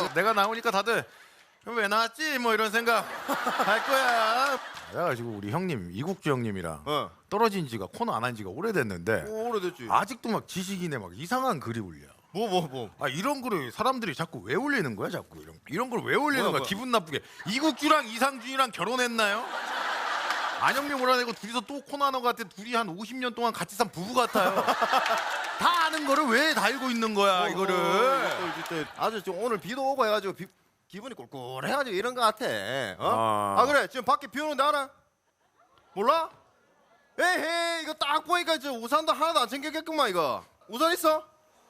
내가 나오니까 다들 왜 나왔지? 뭐 이런 생각 할 거야. 그래가지고 우리 형님 이국주 형님이랑 떨어진 지가 코너 안 한 지가 오래됐는데 오래됐지. 아직도 막 지식인에 막 이상한 글이 올려. 뭐. 아 이런 글을 사람들이 자꾸 왜 올리는 거야? 자꾸 이런 걸 왜 올리는 거야? 뭐야? 기분 나쁘게. 이국주랑 이상준이랑 결혼했나요? 안영미 몰아내고 둘이서 또 코너 하는 것 같아. 둘이 한 50년 동안 같이 산 부부 같아요. 다 아는 거를 왜 달고 있는 거야 이거를. 아주 좀 오늘 비도 오고 해가지고 기분이 꿀꿀해가지고 이런 거 같아. 아 그래 지금 밖에 비 오는데 알아? 몰라? 에헤이 이거 딱 보니까 저 우산도 하나도 안 챙겼겠구만 이거. 우산 있어?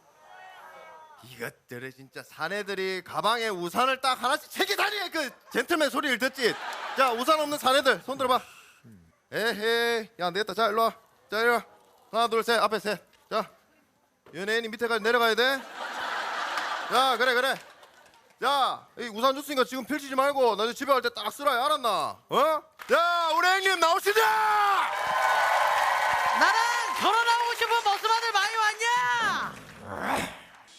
이것들은 진짜 사내들이 가방에 우산을 딱 하나씩 챙겨 다니는 그 젠틀맨 소리를 듣지. 자 우산 없는 사내들 손 들어봐. 에헤이 야 안되겠다. 자 일로와. 자 일로와. 하나 둘 셋 앞에 셋. 자 연예인이 밑에까지 내려가야 돼. 자 그래. 자, 이 우산 줬으니까 지금 펼치지 말고 나중에 집에 갈 때 딱 쓰라. 알았나? 어? 자, 우리 형님 나오시자! 나는 결혼하고 싶은 머스마들 많이 왔냐?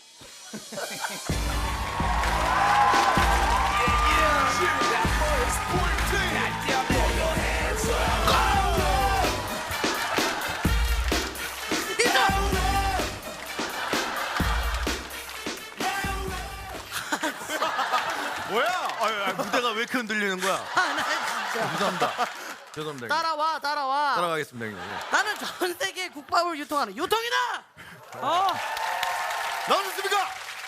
뭐야? 무대가 왜 이렇게 흔들리는 거야? 나 진짜. 죄송합니다. 형님. 따라와. 따라가겠습니다 형님. 나는 전 세계 국밥을 유통하는 유통이다. 나오셨습니까?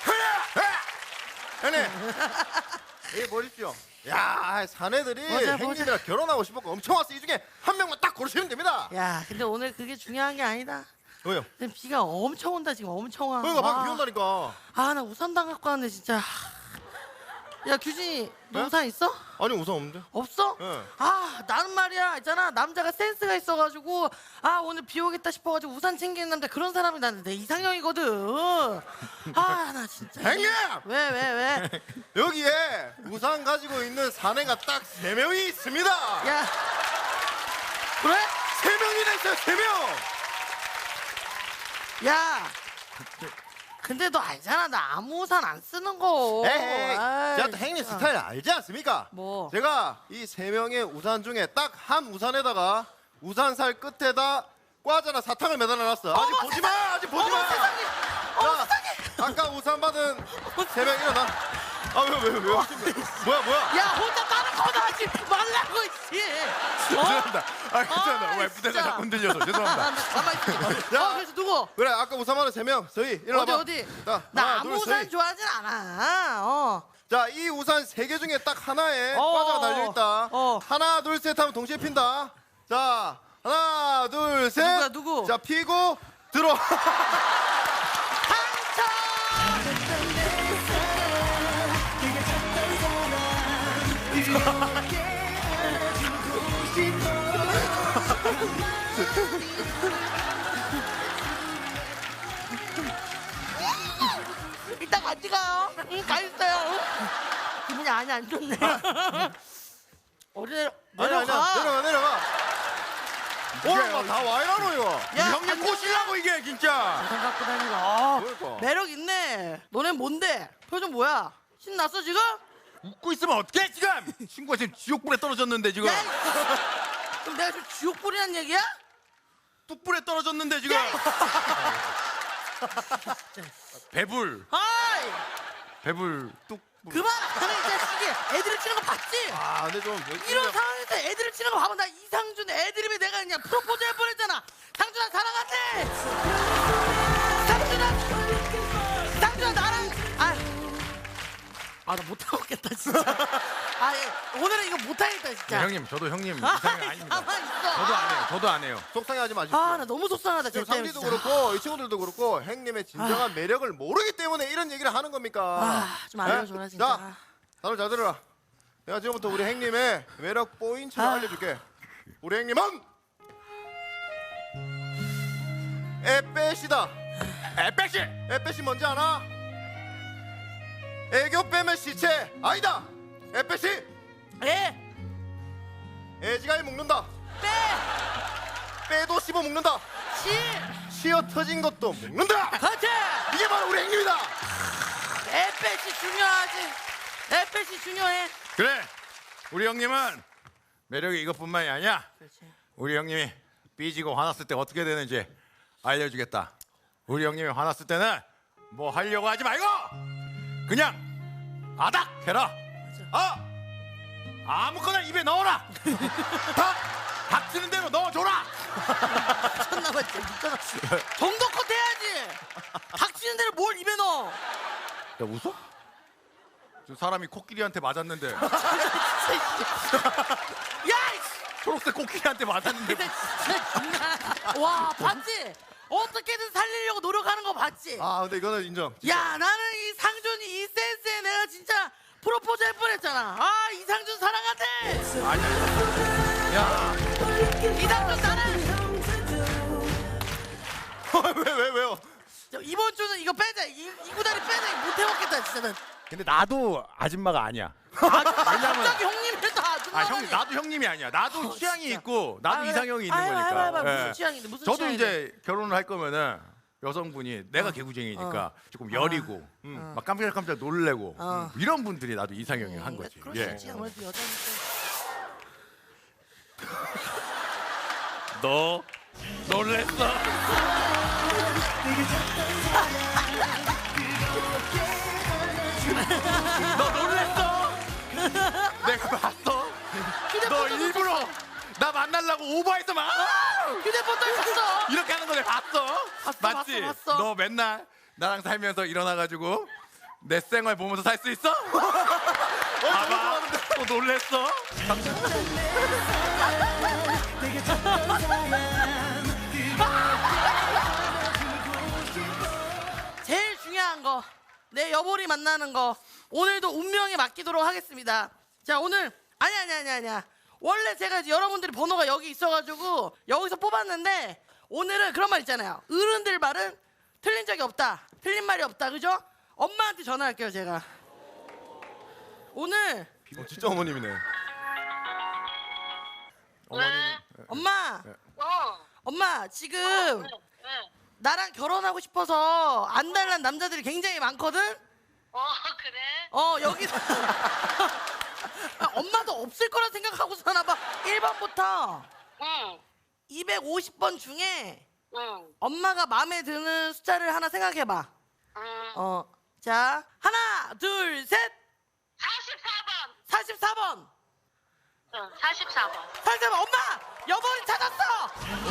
형님! 이 보십시오. 야, 사내들이 보자. 형님이랑 결혼하고 싶었고 엄청 왔어. 이 중에 한 명만 딱 고르시면 됩니다. 야, 근데 오늘 그게 중요한 게 아니다. 왜요? 지금 비가 엄청 온다 지금 엄청 와. 그러니까 막 비 온다니까. 나 우산 당 갖고 왔는데 진짜. 야 규진이 너 네? 우산 있어? 아니 우산 없는데? 없어? 네. 나는 말이야 있잖아 남자가 센스가 있어가지고 오늘 비 오겠다 싶어가지고 우산 챙기는 남자 그런 사람이 나는 내 이상형이거든. 나 진짜. 형님! 왜? 여기에 우산 가지고 있는 사내가 딱 3명이 있습니다. 야 그래? 3명이나 있어요. 3명. 야 근데 너 알잖아 나 아무 우산 안 쓰는 거. 에이, 아이, 제가 또 형님 진짜. 스타일 알지 않습니까? 뭐? 제가 이 3명의 우산 중에 딱 한 우산에다가 우산살 끝에다 과자나 사탕을 매달아놨어. 아직 보지 마. 아직 보지 마. 세상에. 자, 아까 우산 받은 3명 일어나. 왜? 뭐야? 야 혼자 다른 거 하지 말라고 씨. 죄송합니다. 괜찮아. 왜 무대가 진짜. 자꾸 흔들려서 죄송합니다. 가만히 있어. 야. 그래서 누구? 그래, 아까 우산 받은 3명. 서희 일어나봐. 어디? 자, 나 하나, 아무 둘, 우산 서희. 좋아하진 않아. 자, 이 우산 3개 중에 딱 하나에 어. 과자가 달려있다. 어. 하나, 둘, 셋 하면 동시에 핀다. 자, 하나, 둘, 셋. 누구? 자, 피고 들어. 이따 같이 가요. 가 있어요. 기분이 안 좋네. 어디 내려가. 내려가. 오늘 다 와이라노 이거. 야, 형님 꼬시려고 이게 진짜. 우산 갖고 다니고. 그러니까. 매력 있네. 너넨 뭔데? 표정 뭐야? 신났어 지금? 웃고 있으면 어떡해 지금? 친구가 지금 지옥불에 떨어졌는데 지금. 야, 그럼 내가 지금 지옥불이란 얘기야? 뚝불에 떨어졌는데 지금. 야, 배불. 배불 뚝. 그만하네 이 자식이. 애들을 치는 거 봤지? 근데 좀 이런 상황에서 애들을 치는 거 봐봐. 나 이상준 애드립에 내가 그냥 프로포즈 할 뻔했잖아. 상준아 사랑하지? 상준아 나랑 나 못하겠다 진짜. 오늘은 이거 못하겠다 진짜. 네, 형님 저도 형님 이상형 아닙니다. 가만 있어. 저도 안 해요. 속상해하지 마십시오. 나 너무 속상하다 지금 진짜. 상디도 그렇고 이 친구들도 그렇고 형님의 진정한 매력을 모르기 때문에 이런 얘기를 하는 겁니까? 좀 알려줘라 네? 진짜. 자, 다들 잘 들어라. 내가 지금부터 우리 형님의 매력 포인트를 알려줄게. 우리 형님은 에빼시다. 에빼시. 에빼시 뭔지 아나? 애교 빼면 시체 아니다. 에빼시 애지가이 먹는다. 빼도 씹어 먹는다. 쉬어 터진 것도 먹는다. 그렇지. 이게 바로 우리 형님이다. 에페시 중요하지. 에펫이 중요해. 그래. 우리 형님은 매력이 이것뿐만이 아니야. 그렇지. 우리 형님이 삐지고 화났을 때 어떻게 되는지 알려주겠다. 우리 형님이 화났을 때는 뭐 하려고 하지 말고 그냥 아닥 해라. 아무거나 입에 넣어라. 다 닥치는 대로 넣어줘라. 미쳤나봐 진짜 미쳤나. 정도껏 해야지. 닥치는 대로 뭘 입에 넣어. 야 웃어? 저 사람이 코끼리한테 맞았는데 야, 이씨. 초록색 코끼리한테 맞았는데 근데 진짜 장난. 와, 봤지? 어떻게든 살리려고 노력하는 거 봤지? 아 근데 이거는 인정. 야, 나는 이 상준이 이 센스에 내가 진짜 프로포즈 할 뻔했잖아. 아, 이상준 사랑한대. 아니야. 야 이상준 사랑. 왜요? 이번 주는 이거 빼자. 이 구다리 빼자. 못 해먹겠다 진짜는. 근데 나도 아줌마가 아니야. 갑자기 형님을 다 아줌마. 형 나도 형님이 아니야. 나도 취향이 진짜. 있고 나도 이상형이 있는 거니까. 무슨 예. 취향인데 무슨 저도 취향인데. 이제 결혼을 할 거면은 여성분이 내가 개구쟁이니까 조금 여리고 막 깜짝깜짝 놀래고 이런 분들이 나도 이상형이 한 거지. 그럴 수 예. 있지. 아무래도 여자니까. 너 놀랬어? 너 놀랬어? 내가 봤어. 너 일부러 나 만나려고 오버해서 막 휴대폰도 있었어. 이렇게 하는 거 내가 봤어. 맞지? 봤어. 너 맨날 나랑 살면서 일어나가지고 내 생활 보면서 살 수 있어? 봐봐. 또 놀랬어? 제일 중요한 거, 내 여보리 만나는 거 오늘도 운명에 맡기도록 하겠습니다. 자, 오늘 아니야. 원래 제가 이제 여러분들이 번호가 여기 있어가지고 여기서 뽑았는데 오늘은 그런 말 있잖아요. 어른들 말은 틀린 적이 없다. 틀린 말이 없다. 그죠? 엄마한테 전화할게요, 제가. 오늘 진짜 어머님이네. 왜? 엄마, 어. 엄마 지금 왜? 나랑 결혼하고 싶어서 안달난 남자들이 굉장히 많거든. 그래? 여기서 엄마도 없을 거라 생각하고 사나 봐. 1번부터 응. 250번 중에 응. 엄마가 마음에 드는 숫자를 하나 생각해 봐. 응. 자, 하나, 둘, 셋. 44번. 44번. 응. 44번. 44번. 엄마! 여보리 찾았어.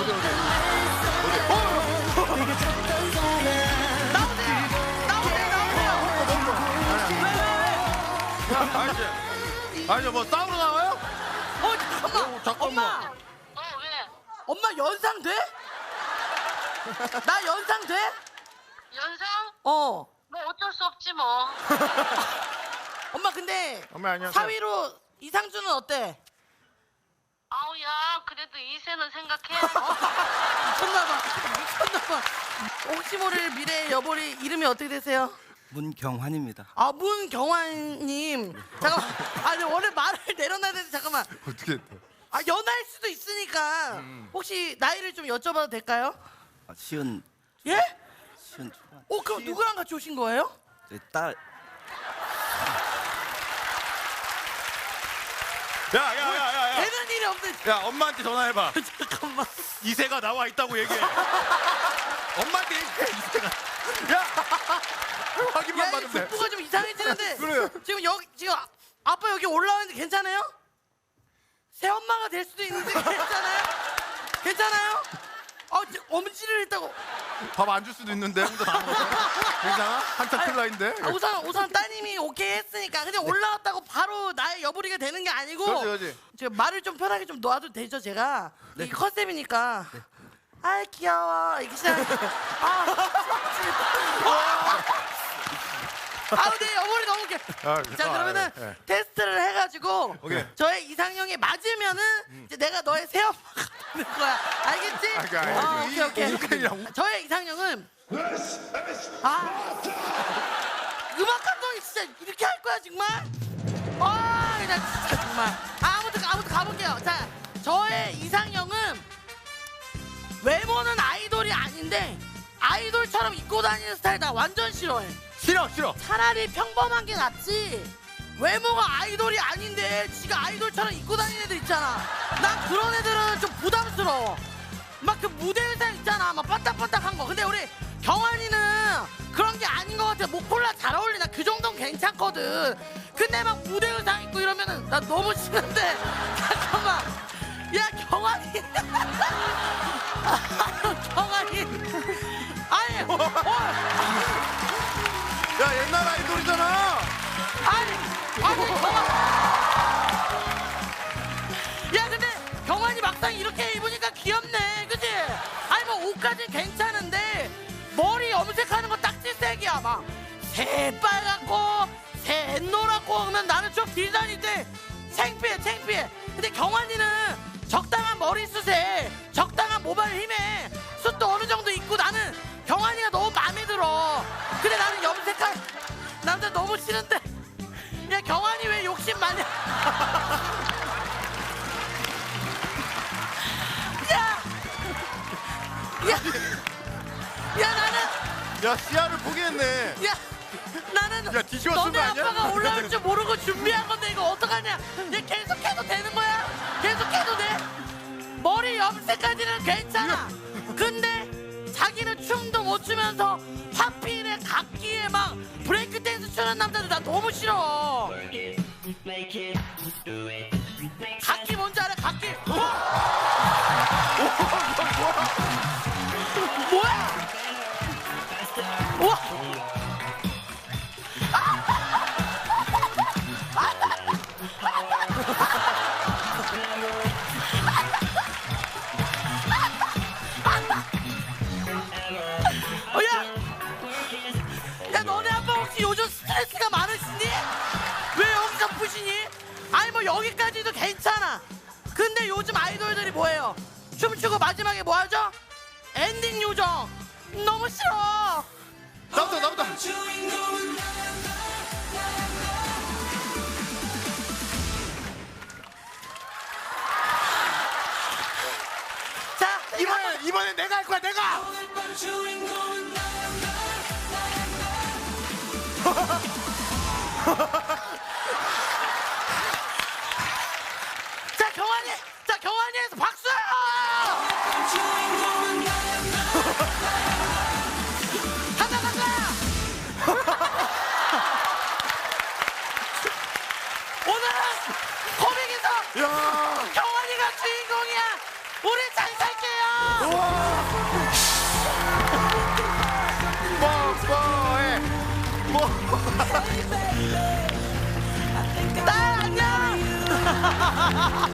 나오세요. 아니 뭐 싸우러 나와요? 잠깐만. 잠깐만. 엄마. 왜? 엄마 연상 돼? 나 연상 돼? 연상? 어. 뭐 어쩔 수 없지 뭐. 엄마 근데 엄마, 안녕하세요. 4위로 이상준은 어때? 아우야, 그래도 이세는 생각해야지. 미쳤나봐. 혹시 모를 미래의 여보리 이름이 어떻게 되세요? 문경환입니다. 아, 문경환님. 잠깐만. 근데 원래 말을 내려놔야 되는데 잠깐만. 어떻게? 연하일 수도 있으니까 혹시 나이를 좀 여쭤봐도 될까요? 시은 예? 초반. 그럼 누구랑 같이 오신 거예요? 네, 딸 야. 되는 일이 없는. 야 엄마한테 전화해봐. 잠깐만. 이세가 나와 있다고 얘기해. 엄마한테 얘기해 이세가. 야 확인만 야, 이 받으면 돼. 북부가 좀 이상해지는데. 그래요. 지금 아빠 여기 올라왔는데 괜찮아요? 새 엄마가 될 수도 있는데 괜찮아요? 괜찮아요? 엄지를 했다고. 밥 안 줄 수도 있는데 혼자 다 먹어. 괜찮아? 한참 클 나인데. 우선 따님이 오케이 했으니까. 근데 올라왔다고 바로 나의 여부리가 되는 게 아니고. 그렇지. 제가 말을 좀 편하게 좀 놓아도 되죠, 제가. 이게 컨셉이니까. 아, 귀여워. 이게 시작. 네, 여보리 너무 웃겨. 자, 그러면은 네. 테스트를 해가지고 오케이. 저의 이상형에 맞으면은 이제 내가 너의 새 엄마가 되는 거야. 알겠지? 오케이. 저의 이상형은 음악 감독이 진짜 이렇게 할 거야 정말? 나 진짜 정말. 아무튼 가볼게요. 자, 저의 이상형은 외모는 아이돌이 아닌데 아이돌처럼 입고 다니는 스타일 나 완전 싫어해. 싫어. 차라리 평범한 게 낫지. 외모가 아이돌이 아닌데 지가 아이돌처럼 입고 다니는 애들 있잖아. 난 그런 애들은 좀 부담스러워. 막 그 무대 의상 있잖아, 막 반딱반딱한 거. 근데 우리 경환이는 그런 게 아닌 것 같아. 목폴라 잘 어울리. 나 그 정도는 괜찮거든. 근데 막 무대 의상 입고 이러면은 나 너무 싫은데. 잠깐만. 야, 경환이. 경환이. 아니, 야 옛날 아이돌이잖아. 아니, 야, 근데 경환이 막상 이렇게 입으니까 귀엽네, 그치? 아니 뭐 옷까진 괜찮은데 머리 염색하는 거 딱지색이야. 막 새빨갛고 새노랗고 하면 나는 좀 디자인이 돼. 창피해. 근데 경환이는 적당한 머리숱에 적당한 모발 힘에 숱도 어느 정도 있고 나는 경환이가 너무 마음에 들어. 근데 나는 염색한 남자 너무 싫은데. 야, 경환이 왜 욕심 많냐? 야, 나는 야 시야를 포기했네. 야, 나는 야, 뒤집어 쓴 너네 거 아니야? 아빠가 올라올 줄 모르고 준비한 건데 이거 어떡하냐? 얘 계속해도 되는 거야? 계속해도 돼? 머리 염색까지는 괜찮아. 근데 자기는 춤도 못 추면서 하필에 각기에 막 브레이크 댄스 추는 남자들 나 너무 싫어. 각기 뭔지 알아? 각기. 뭐야? 우와. 야, 너네 아빠 혹시 요즘 스트레스가 많으시니? 왜 여기서 푸시니? 아니 뭐 여기까지도 괜찮아. 근데 요즘 아이돌들이 뭐해요? 춤추고 마지막에 뭐 하죠? 엔딩 요정. 너무 싫어. 나부터. 자, 이번에 내가 할 거야. 내가. 경환이에서 박수! 간다! 오늘은 코믹에서 경환이가 주인공이야. 우리 잘 살게요. 딸 안녕.